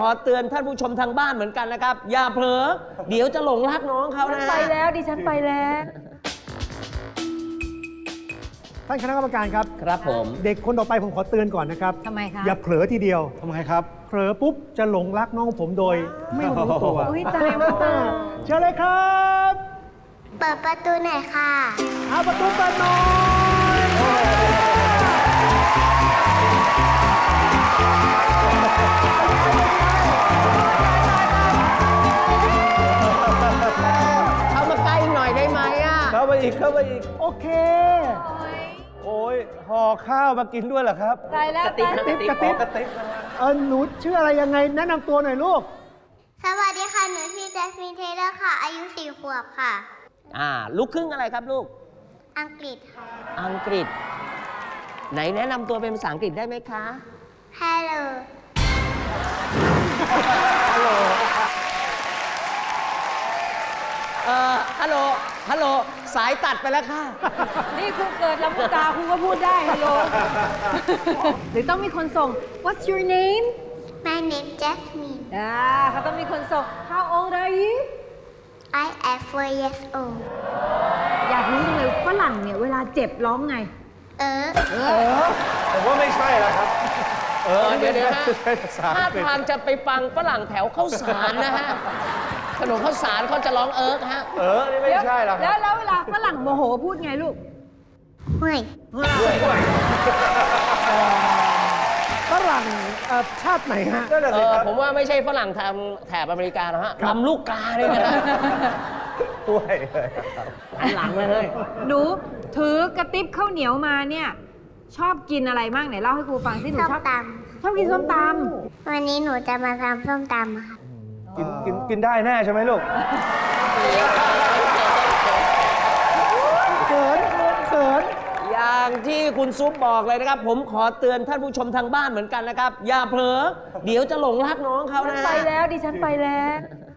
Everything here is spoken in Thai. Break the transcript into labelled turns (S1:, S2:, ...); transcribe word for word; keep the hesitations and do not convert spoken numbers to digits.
S1: อเตือนท่านผู้ชมทางบ้านเหมือนกันนะครับอย่าเผลอเดี๋ยวจะหลงรักน้องเขานะ
S2: ไปแล้วดิฉันไปแล้ว
S3: ท่านคณะกรรมการครับ
S1: ครับผม
S3: เด็กคนต่อไปผมขอเตือนก่อนนะครับ
S2: ทำไมคะ
S3: อย่าเผลอทีเดียว
S4: ทำไมครับ
S3: เผลอปุ๊บจะหลงรักน้องผมโดยไม่รู้ตัว
S2: อุ้ยตายแล้วตาย
S3: เชิญเลยครับ
S5: เปิดประตูหน่อยค่ะ
S3: เอาประตูเปิดหน่อย
S1: เข้ามาใกล้หน่อยได้ไหมอ่ะ
S4: เข้าไปอีก เข้าไปอีก
S3: โอเค
S4: โอ้ยห่อข้าวมากินด้วยเหรอครับ
S2: ตายแล้ว
S1: กระติบ
S2: ตาย
S1: กระติบ
S3: กระติบ
S4: กระติกนะฮะ
S3: เออหนูชื่ออะไรยังไงแนะนำตัวหน่อยลูก
S5: สวัสดีค่ะ หนูชื่อแจสมินเทเลอร์ค่ะ อายุสี่ขวบค่ะ
S1: อ่าลูกครึ่งอะไรครับลูก
S5: อังกฤษค่ะ
S1: อังกฤษ ไหนแนะนำตัวเป็นภาษาอังกฤษได้ไหมคะ
S5: Hello
S1: เอ่อฮัลโหลฮัลโหลสายตัดไปแล้วค่ะ
S2: นี่คุณเกิดลำพูกาคุณก็พูดได้ฮัลโหล หรือต้องมีคนส่ง What's your name
S5: My name Jasmine
S2: อ่าเขาต้องมีคนส่ง How old are you
S5: I am four years old
S2: อยากรู้จังเลยฝรั่งเนี่ยเวลาเจ็บร้องไง
S5: เออ
S2: เออ
S4: ผมว่าไม่ใช่แล้วครับ
S1: เออเดี๋ยวเดี๋ยวนะ
S4: ใช่ภาษา
S1: ท่า
S4: อังกฤษ
S1: ทางจะไปฟังฝรั่งแถวข้าวสารนะฮะ ขนมข้าวสารเขาจะร้องเอิร์กฮะ
S4: เออ นี่ไม่ใช่แล้วค
S2: แล้
S4: รั
S2: ว
S4: บ
S2: แล้วเวลาฝรั่งโมโหพูดไงลูก
S5: ห่วย
S3: ฝรั่งเอ่อชาติไหนฮะ
S4: นั่นแหละ
S1: เอ
S4: สิ
S1: อ
S4: ครับ
S1: ผมว่าไม่ใช่ฝรั่งทางแถบอเมริกานะฮะลำลูกกาเลยนะฮะ
S4: ด้วยเลยครับ
S1: หันหลังเลยเฮ้ย
S2: หนูถือกระติบข้าวเหนียวมาเนี่ย ชอบกินอะไรบ้างไหนเล่าให้ครูฟังสิหนู
S5: ส้ม
S2: ชอบ
S5: ต
S2: ชอบกินส้มต
S5: ำวันนี้หนูจะมาทำส้มตำค่ะ
S4: กินกินกินได้แน่ใช่ไหมลูก
S3: เขินเขิน
S1: อย่างที่คุณซุปบอกเลยนะครับ ผมขอเตือนท่านผู้ชมทางบ้านเหมือนกันนะครับ อย่าเผลอเดี๋ยวจะหลงรักน้องเขา
S2: ำฉัน
S1: นะ
S2: ไปแล้วดิฉันไปแล้ว